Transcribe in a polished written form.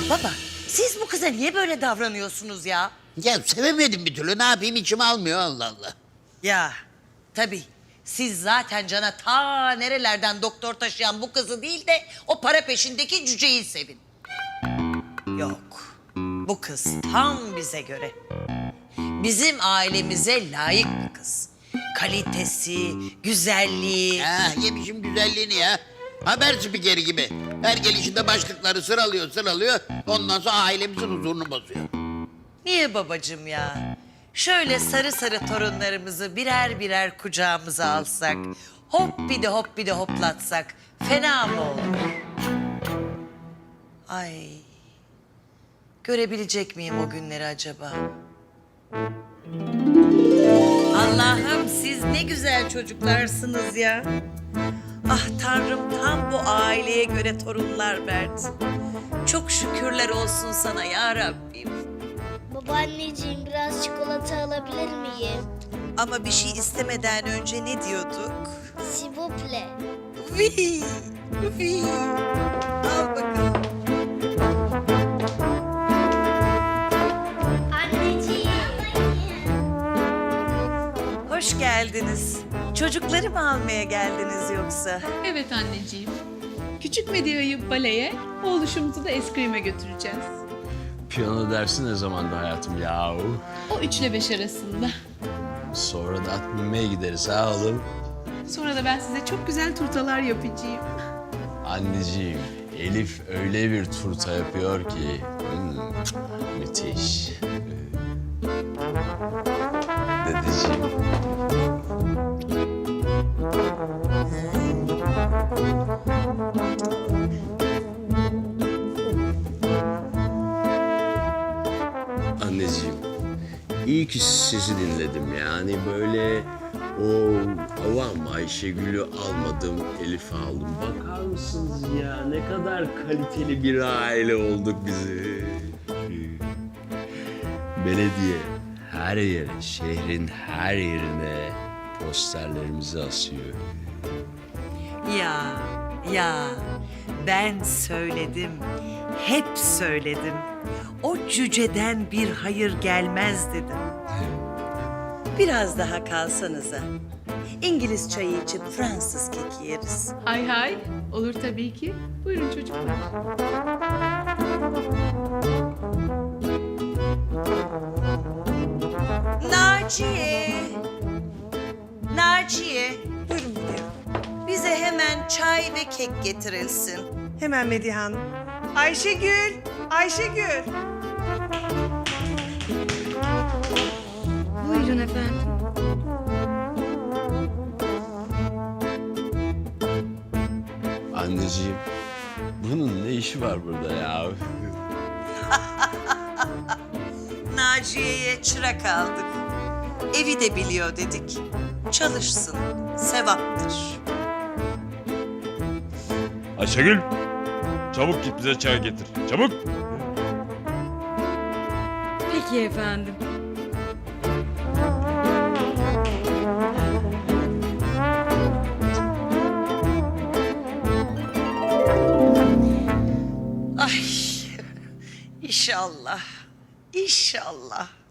Baba, siz bu kıza niye böyle davranıyorsunuz ya? Ya sevemedim bir türlü. Ne yapayım, içim almıyor, Allah Allah. Ya, tabii. Siz zaten cana ta nerelerden doktor taşıyan bu kızı değil de o para peşindeki cüceyi sevin. Yok, bu kız tam bize göre. Bizim ailemize layık bir kız. Kalitesi, güzelliği. Yemişim güzelliğini ya. Haber spikeri gibi. Her gelişinde başlıkları sıralıyor. Ondan sonra ailemizin huzurunu bozuyor. Niye babacığım ya? Şöyle sarı sarı torunlarımızı birer birer kucağımıza alsak, hop bir de hoplatsak fena mı olur? Ay, görebilecek miyim o günleri acaba? Allah'ım siz ne güzel çocuklarsınız ya. Ah Tanrım tam bu aileye göre torunlar verdi. Çok şükürler olsun sana ya Rabbim. Babaanneciğim biraz çikolata alabilir miyim? Ama bir şey istemeden önce ne diyorduk? S'il vous plaît. Vi, vi. Al bakalım. Anneciğim. Hoş geldiniz. Çocukları mı almaya geldiniz yoksa? Evet anneciğim. Küçük Medya'yı baleye, oğluşumuzu da eskrime götüreceğiz. Piyano dersi ne zamandı hayatım yahu? O 3 ile 5 arasında. Sonra da at binmeye gideriz ha oğlum. Sonra da ben size çok güzel turtalar yapacağım. Anneciğim, Elif öyle bir turta yapıyor ki. Müthiş. Dedeciğim. Anneciğim, iyi ki sizi dinledim yani böyle o avam Ayşegül'ü almadım, Elif'i aldım. Bakar mısınız ya ne kadar kaliteli bir aile olduk bizi. Belediye her yere, şehrin her yerine posterlerimizi asıyor. Ya ben söyledim. Hep söyledim. O cüceden bir hayır gelmez dedim. Biraz daha kalsanıza. İngiliz çayı içip Fransız keki yeriz. Hay hay, olur tabii ki. Buyurun çocuklar. Naciye. Buyurun gidelim. Bize hemen çay ve kek getirilsin. Hemen Medihe Hanım. Ayşegül. Buyurun efendim. Anneciğim, bunun ne işi var burada ya? Naciye'ye çırak aldık. Evi de biliyor dedik. Çalışsın, sevaptır. Ayşegül, çabuk git bize çay getir. Çabuk. Peki efendim. Ay, inşallah, inşallah.